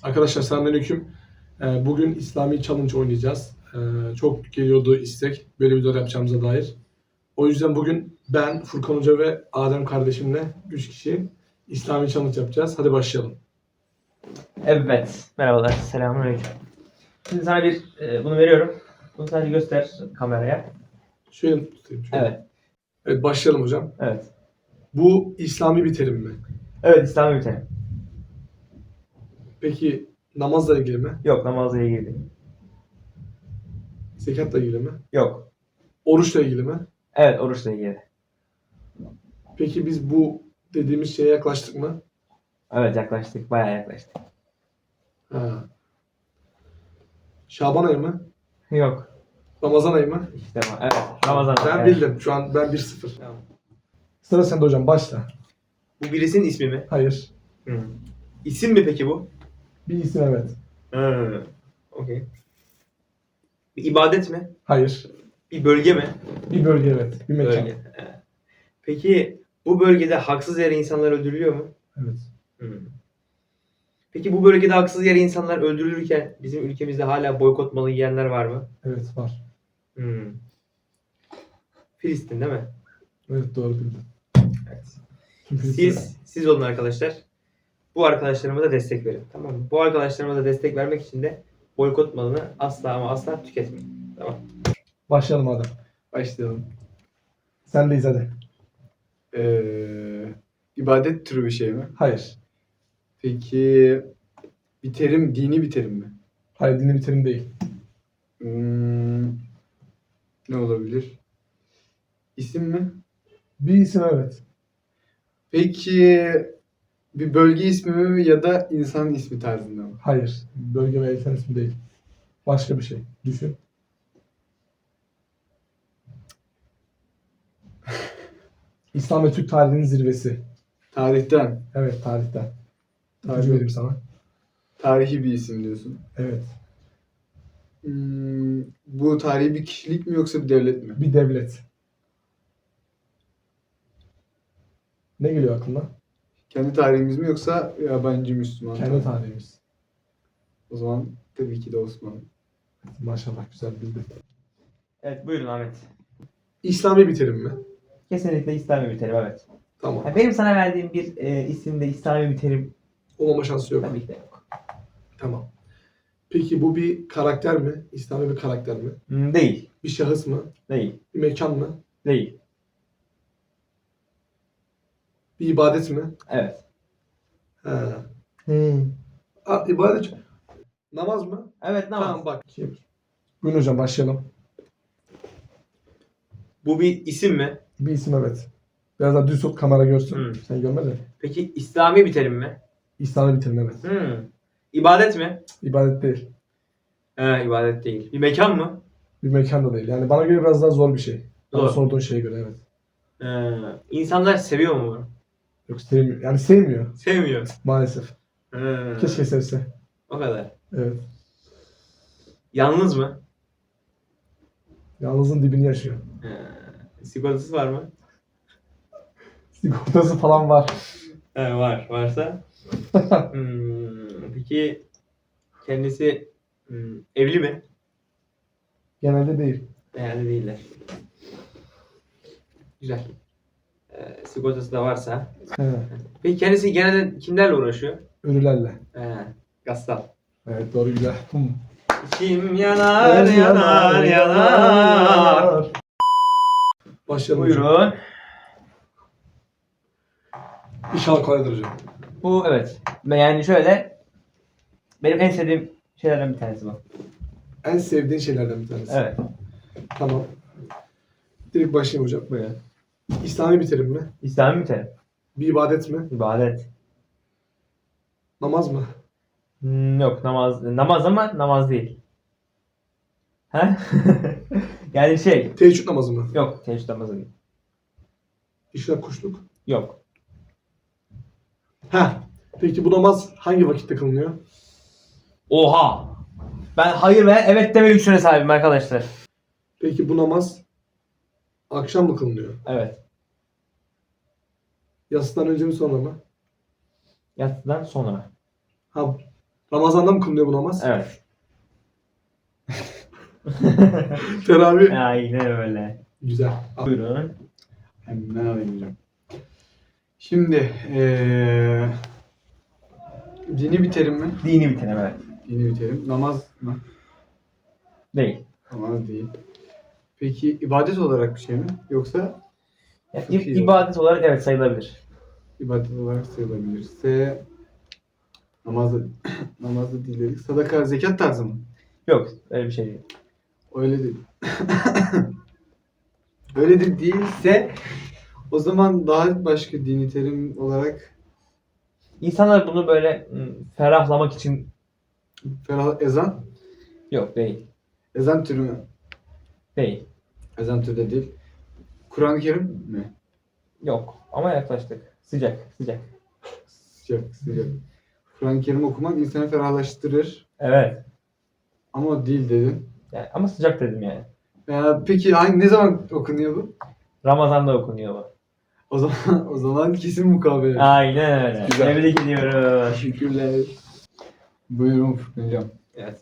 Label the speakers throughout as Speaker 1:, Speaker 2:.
Speaker 1: Arkadaşlar selamünaleyküm. Bugün İslami Challenge oynayacağız. Çok geliyordu istek böyle videolar yapacağımıza dair. O yüzden bugün ben, Furkan Hoca ve Adem kardeşimle 3 kişi İslami Challenge yapacağız. Hadi başlayalım.
Speaker 2: Evet, merhabalar, selamünaleyküm. Şimdi sana bunu veriyorum. Bunu sadece göster kameraya.
Speaker 1: Şöyle tutayım. Şöyle.
Speaker 2: Evet,
Speaker 1: Evet başlayalım hocam.
Speaker 2: evet.
Speaker 1: Bu İslami bir terim mi?
Speaker 2: Evet, İslami bir terim.
Speaker 1: Peki namazla ilgili mi?
Speaker 2: Yok, namazla ilgili değil.
Speaker 1: Zekatla ilgili mi?
Speaker 2: Yok.
Speaker 1: Oruçla ilgili mi?
Speaker 2: Evet, oruçla ilgili.
Speaker 1: Peki biz bu dediğimiz şeye yaklaştık mı?
Speaker 2: Evet, yaklaştık, bayağı yaklaştık.
Speaker 1: Ha. Şaban ayı mı?
Speaker 2: Yok.
Speaker 1: Ramazan ayı mı?
Speaker 2: İşte evet, Ramazan.
Speaker 1: Ben
Speaker 2: evet.
Speaker 1: bildim. Şu an ben 1-0.
Speaker 2: Tamam.
Speaker 1: Sıra sende hocam. Başla.
Speaker 3: Bu birisinin ismi mi?
Speaker 1: Hayır.
Speaker 3: İsim mi peki bu?
Speaker 1: Bir isim evet.
Speaker 3: Okey. Bir ibadet mi?
Speaker 1: Hayır.
Speaker 3: Bir bölge mi?
Speaker 1: Bir bölge evet. Bir mekan.
Speaker 3: Bölge. Peki bu bölgede haksız yere insanlar öldürülüyor mu?
Speaker 1: Evet.
Speaker 3: Peki bu bölgede haksız yere insanlar öldürülürken bizim ülkemizde hala boykot malı yiyenler var mı?
Speaker 1: Evet var.
Speaker 3: Filistin değil mi?
Speaker 1: Evet doğru bildin.
Speaker 3: Evet.
Speaker 1: Çünkü
Speaker 3: Siz olun arkadaşlar. Bu arkadaşlarıma da destek verin. Tamam mı? Bu arkadaşlarıma da destek vermek için de boykot malını asla ama asla tüketmeyin. Tamam.
Speaker 1: Başlayalım Adem.
Speaker 4: Başlayalım.
Speaker 1: Sendeyiz hadi.
Speaker 4: İbadet türü bir şey mi?
Speaker 1: Hayır.
Speaker 4: Peki bir terim, dini bir terim mi?
Speaker 1: Hayır dinle bir terim değil.
Speaker 4: Ne olabilir? İsim mi?
Speaker 1: Bir isim evet.
Speaker 4: Peki bir bölge ismi mi ya da insanın ismi tarzında mı?
Speaker 1: Hayır. Bölge ve insan ismi değil. Başka bir şey. Düşün. İslam ve Türk tarihinin zirvesi.
Speaker 4: Tarihten.
Speaker 1: Evet tarihten.
Speaker 4: Tarih.
Speaker 1: İpucu vereyim sana.
Speaker 4: Tarihi bir isim diyorsun.
Speaker 1: Evet.
Speaker 4: Bu tarihi bir kişilik mi yoksa bir devlet mi?
Speaker 1: Bir devlet. Ne geliyor aklına?
Speaker 4: Kendi tarihimiz mi yoksa yabancı Müslüman?
Speaker 1: Kendi tarihimiz.
Speaker 4: O zaman tabii ki de Osmanlı.
Speaker 1: Maşallah güzel bildin.
Speaker 2: Evet, buyurun Ahmet.
Speaker 1: İslami bir terim mi?
Speaker 2: Kesinlikle İslami bir terim, evet.
Speaker 1: Tamam.
Speaker 2: Yani benim sana verdiğim bir isimde İslami bir terim
Speaker 1: Olmama şansı yok.
Speaker 2: tabii ki de yok.
Speaker 1: Tamam. Peki bu bir karakter mi? İslami bir karakter mi?
Speaker 2: Değil,
Speaker 1: Bir şahıs mı?
Speaker 2: değil,
Speaker 1: Bir mekan mı?
Speaker 2: değil.
Speaker 1: Bir ibadet mi?
Speaker 2: Evet.
Speaker 1: Ha. İbadet. Namaz mı?
Speaker 2: Evet, namaz.
Speaker 1: Tamam bak. Buyurun hocam başlayalım.
Speaker 3: Bu bir isim mi?
Speaker 1: Bir isim evet. Biraz daha düz tut kamera görsün. Sen görmedin.
Speaker 3: Peki İslami bir terim mi?
Speaker 1: İslami bir terim evet.
Speaker 3: İbadet mi?
Speaker 1: İbadet değil.
Speaker 3: İbadet değil. Bir mekan mı?
Speaker 1: Bir mekan da değil. Yani bana göre biraz daha zor bir şey. Bana
Speaker 3: Zor.
Speaker 1: sorduğun şeye göre evet.
Speaker 3: İnsanlar seviyor mu bunu?
Speaker 1: Yok sevmiyor. Yani sevmiyor
Speaker 3: Sevmiyor.
Speaker 1: maalesef. Keşke sevse.
Speaker 3: O kadar.
Speaker 1: Evet.
Speaker 3: Yalnız mı?
Speaker 1: Yalnızın dibini yaşıyor.
Speaker 3: Sigortası var mı?
Speaker 1: Sigortası falan var.
Speaker 3: Var. Varsa. Peki kendisi evli mi?
Speaker 1: Genelde değil.
Speaker 3: Yani değiller. Güzel. Sigortası da varsa.
Speaker 1: He.
Speaker 3: Peki kendisi genelde kimlerle uğraşıyor?
Speaker 1: Ölülerle.
Speaker 3: Gassal.
Speaker 1: Evet doğru güzel.
Speaker 3: Kim yanar yanar yanar.
Speaker 1: Başlayalım hocam.
Speaker 2: Buyurun.
Speaker 1: İnşallah kolaydır hocam.
Speaker 2: Bu evet. Yani şöyle, benim en sevdiğim şeylerden bir tanesi bu.
Speaker 1: En sevdiğin şeylerden bir tanesi.
Speaker 2: Evet.
Speaker 1: Tamam. Direkt başlayayım hocam.
Speaker 2: Buyurun.
Speaker 1: İslami bir terim mi?
Speaker 2: İslami bir terim.
Speaker 1: Bir ibadet mi?
Speaker 2: İbadet.
Speaker 1: Namaz mı?
Speaker 2: Yok, namaz ama namaz değil. He? Yani
Speaker 1: Teheccüd namazı mı?
Speaker 2: yok, teheccüd namazı değil.
Speaker 1: İşrak kuşluk.
Speaker 2: Yok.
Speaker 1: Heh. Peki bu namaz hangi vakitte kılınıyor?
Speaker 2: Oha! Ben hayır ve evet deme lüksüne sahibim arkadaşlar.
Speaker 1: Peki bu namaz akşam mı kılınıyor?
Speaker 2: Evet.
Speaker 1: Yatsıdan önce mi sonra mı?
Speaker 2: Yatsıdan sonra.
Speaker 1: Ha, Ramazan'da mı kılınıyor bu namaz?
Speaker 2: Evet.
Speaker 1: Teravih.
Speaker 2: Aynen öyle.
Speaker 1: Güzel.
Speaker 2: Buyurun.
Speaker 4: Hemen alayım hocam. Şimdi dini bir terim mi?
Speaker 2: Dini bir terim, evet.
Speaker 4: Dini bir terim. Namaz mı?
Speaker 2: Değil.
Speaker 4: Namaz değil. Peki ibadet olarak bir şey mi? Yoksa
Speaker 2: Yani
Speaker 4: Çok iyi.
Speaker 2: ibadet olarak evet sayılabilir.
Speaker 4: ibadet olarak sayılabilirse namazda namazda değil dedik. Sadaka, zekat tarzı mı?
Speaker 2: Yok, öyle bir şey değil.
Speaker 4: Öyle değil. Öyle de değilse o zaman daha başka dini terim olarak
Speaker 2: İnsanlar bunu böyle ferahlamak için
Speaker 4: ezan.
Speaker 2: yok değil.
Speaker 4: Ezan türü mü?
Speaker 2: Değil.
Speaker 4: Ezan türü de değil. Kur'an-ı Kerim mi?
Speaker 2: Yok. Ama yaklaştık. Sıcak. Sıcak.
Speaker 4: Sıcak, sıcak. Kur'an-ı Kerim okumak insanı ferahlaştırır.
Speaker 2: Evet.
Speaker 4: Ama o değil dedin.
Speaker 2: Yani, ama sıcak dedim yani.
Speaker 4: Peki ne zaman okunuyor bu?
Speaker 2: Ramazan'da okunuyor bu.
Speaker 4: O zaman kesin mukabele.
Speaker 2: Aynen öyle.
Speaker 4: Güzel.
Speaker 2: Tebrik ediyorum.
Speaker 4: Teşekkürler. Buyurun Furkan hocam.
Speaker 3: Evet.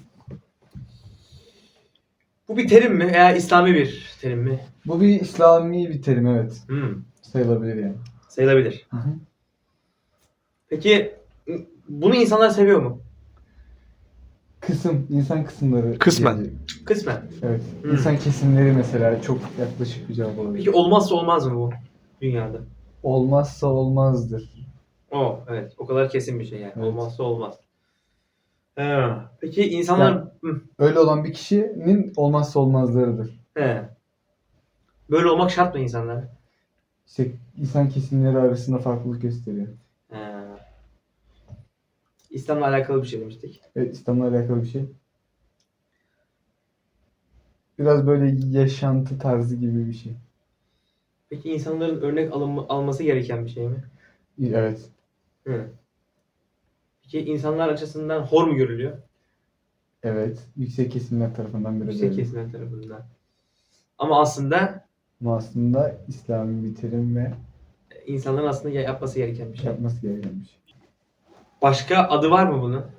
Speaker 3: Bu bir terim mi veya İslami bir terim mi?
Speaker 4: Bu bir İslami bir terim, evet. Sayılabilir yani.
Speaker 3: Sayılabilir.
Speaker 4: Hı hı.
Speaker 3: Peki bunu insanlar seviyor mu?
Speaker 4: İnsan kısımları.
Speaker 1: Kısmen.
Speaker 4: diyebilirim.
Speaker 3: Kısmen.
Speaker 4: Evet.
Speaker 3: Hı.
Speaker 4: İnsan kesimleri mesela çok yaklaşık bir cevap olabilir.
Speaker 3: Peki olmazsa olmaz mı bu dünyada?
Speaker 4: Olmazsa olmazdır.
Speaker 3: Evet. O kadar kesin bir şey yani.
Speaker 4: Evet.
Speaker 3: Olmazsa olmaz. Peki insanlar...
Speaker 4: Yani- Öyle olan bir kişinin olmazsa olmazlarıdır.
Speaker 3: He. Böyle olmak şart mı insanlara?
Speaker 4: İşte insan kesimleri arasında farklılık gösteriyor.
Speaker 3: He. İslam'la alakalı bir şey demiştik.
Speaker 4: Evet, İslam'la alakalı bir şey. Biraz böyle yaşantı tarzı gibi bir şey.
Speaker 3: Peki insanların örnek alması gereken bir şey mi?
Speaker 4: Evet.
Speaker 3: Hı. Peki insanlar açısından hor mu görülüyor?
Speaker 4: Evet. Yüksek kesimler tarafından biraz
Speaker 3: Yüksek
Speaker 4: öyle.
Speaker 3: kesimler tarafından. Ama aslında
Speaker 4: Ama aslında İslami bir terim ve
Speaker 3: insanların aslında yapması gereken bir şey.
Speaker 4: yapması gereken bir şey.
Speaker 3: Başka adı var mı bunun?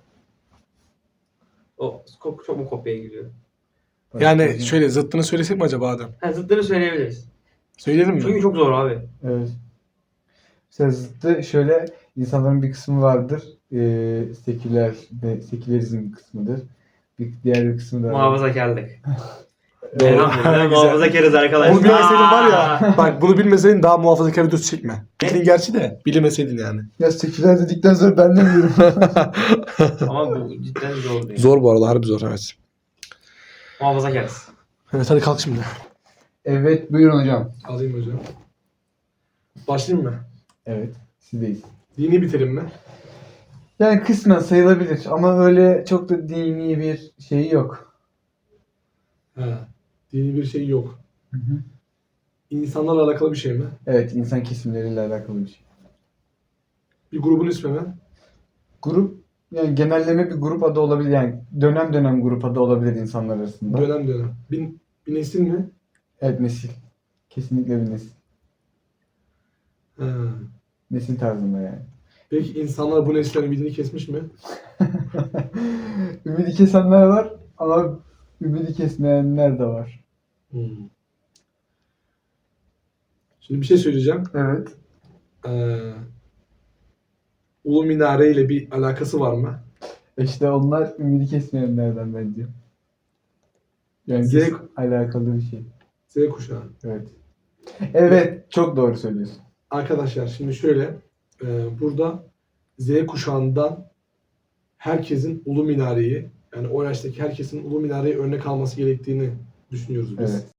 Speaker 3: O çok mu kopyaya gidiyor?
Speaker 1: Yani şöyle zıttını söylesek mi acaba Adem?
Speaker 3: Zıtları söyleyebiliriz.
Speaker 1: Söyleyelim mi?
Speaker 3: Çünkü çok zor abi.
Speaker 4: Evet. Mesela zıttı şöyle, insanların bir kısmı vardır. Seküler ve sekülerizm kısmıdır. Diğer bir kısmı da
Speaker 3: Muhafazakarlık.
Speaker 1: Doğru.
Speaker 3: Elhamdülillah
Speaker 1: Güzel.
Speaker 3: muhafazakarız arkadaşlar.
Speaker 1: Onu bilmeseydin var ya. Bak bunu bilmeseydin daha muhafazakar videosu çekme. Bildin gerçi de bilmeseydin yani.
Speaker 4: Ya seküler dedikten sonra ben de biliyorum.
Speaker 3: Ama bu cidden zor değil.
Speaker 1: Zor bu arada, harbi zor, evet.
Speaker 3: Muhafazakarız.
Speaker 1: Evet, hadi kalk şimdi.
Speaker 4: Evet, buyurun hocam.
Speaker 1: Alayım hocam. Başlayayım mı?
Speaker 4: Evet, sizdeyiz.
Speaker 1: Dini bir terim mi?
Speaker 4: Yani kısmen sayılabilir ama öyle çok da dini bir şeyi yok.
Speaker 1: Ha. Dini bir şey yok.
Speaker 4: Hı hı.
Speaker 1: İnsanlarla alakalı bir şey mi?
Speaker 4: Evet, insan kesimleriyle alakalı bir şey.
Speaker 1: Bir grubun ismi mi?
Speaker 4: Grup, yani genelleme bir grup adı olabilir. Yani dönem dönem grup adı olabilir insanlar arasında.
Speaker 1: Dönem dönem. Bir nesil mi?
Speaker 4: Evet, nesil. Kesinlikle bir nesil.
Speaker 1: Ha.
Speaker 4: Nesil tarzında yani.
Speaker 1: Peki insanlar bu nesilden ümidini kesmiş mi?
Speaker 4: Ümidi kesenler var ama ümidi kesmeyenler de var.
Speaker 1: Hmm. Şimdi bir şey söyleyeceğim.
Speaker 4: Evet.
Speaker 1: Ulu Minare ile bir alakası var mı?
Speaker 4: İşte onlar ümidi kesmeyenlerden bence. Yani
Speaker 1: Z-
Speaker 4: alakalı bir şey.
Speaker 1: Z kuşağı.
Speaker 4: Evet. Evet, çok doğru söylüyorsun.
Speaker 1: Arkadaşlar şimdi şöyle. Burada Z kuşağından herkesin Ulu Minare'yi, yani o yaştaki herkesin Ulu Minare'yi örnek alması gerektiğini düşünüyoruz biz.
Speaker 4: Evet.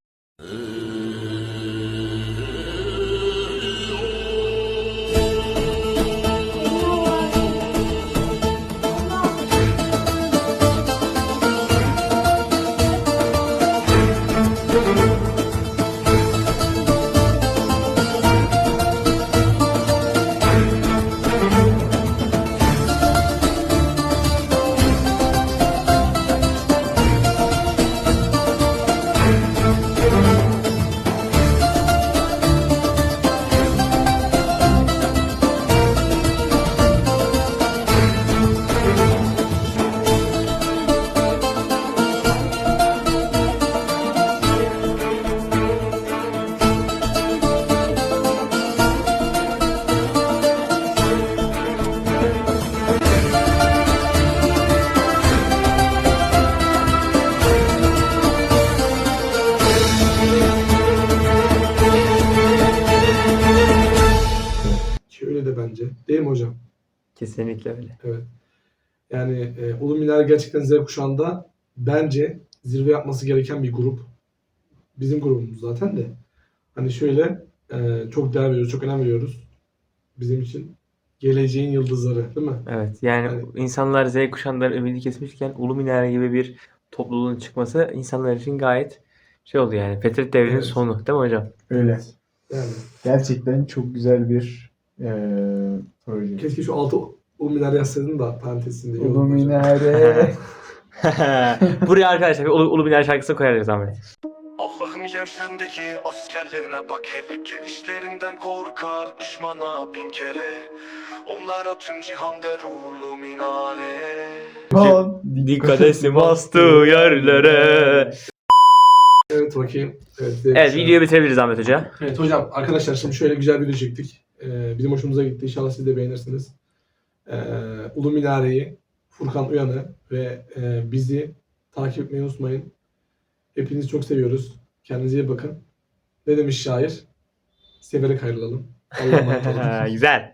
Speaker 1: Değil mi hocam?
Speaker 2: Kesinlikle öyle.
Speaker 1: Evet. Yani Ulu Minare gerçekten Z kuşağında bence zirve yapması gereken bir grup. Bizim grubumuz zaten de. Hani şöyle çok değer veriyoruz, çok önem veriyoruz. Bizim için geleceğin yıldızları, değil mi?
Speaker 2: Evet. Yani
Speaker 1: Hani-
Speaker 2: insanlar Z kuşağından ümidi kesmişken Ulu Minare gibi bir topluluğun çıkması insanlar için gayet şey oldu yani. Fetret devrinin
Speaker 1: Evet.
Speaker 2: sonu. Değil mi hocam?
Speaker 4: Öyle.
Speaker 1: Yani
Speaker 4: Gerçekten çok güzel bir proje.
Speaker 1: keşke şu altı Ulu Minare yazsaydın da parantezinde iyi
Speaker 4: Ulu
Speaker 1: olurdu hocam.
Speaker 4: Minare.
Speaker 2: Buraya arkadaşlar bir Ulu Minare şarkısı koyarız Ahmet.
Speaker 5: Allah'ım yeryüzündeki askerlerine bak, hep gelişlerinden korkar düşmana bin kere. Onlara tüm cihan der ulu minare.
Speaker 2: Dikkat etsin bastığı yerlere.
Speaker 1: Evet bakayım. Evet, Z
Speaker 2: Evet,
Speaker 1: kuşağı.
Speaker 2: videoyu bitirebiliriz Ahmet Hoca.
Speaker 1: Evet hocam arkadaşlar şimdi şöyle güzel bir video çektik. Bizim hoşumuza gitti. İnşallah siz de beğenirsiniz. Ulu Minare'yi, Furkan Uyan'ı ve bizi takip etmeyi unutmayın. Hepinizi çok seviyoruz. Kendinize iyi bakın. Ne demiş şair? Severek ayrılalım. Allah'a emanet olun.
Speaker 2: Güzel.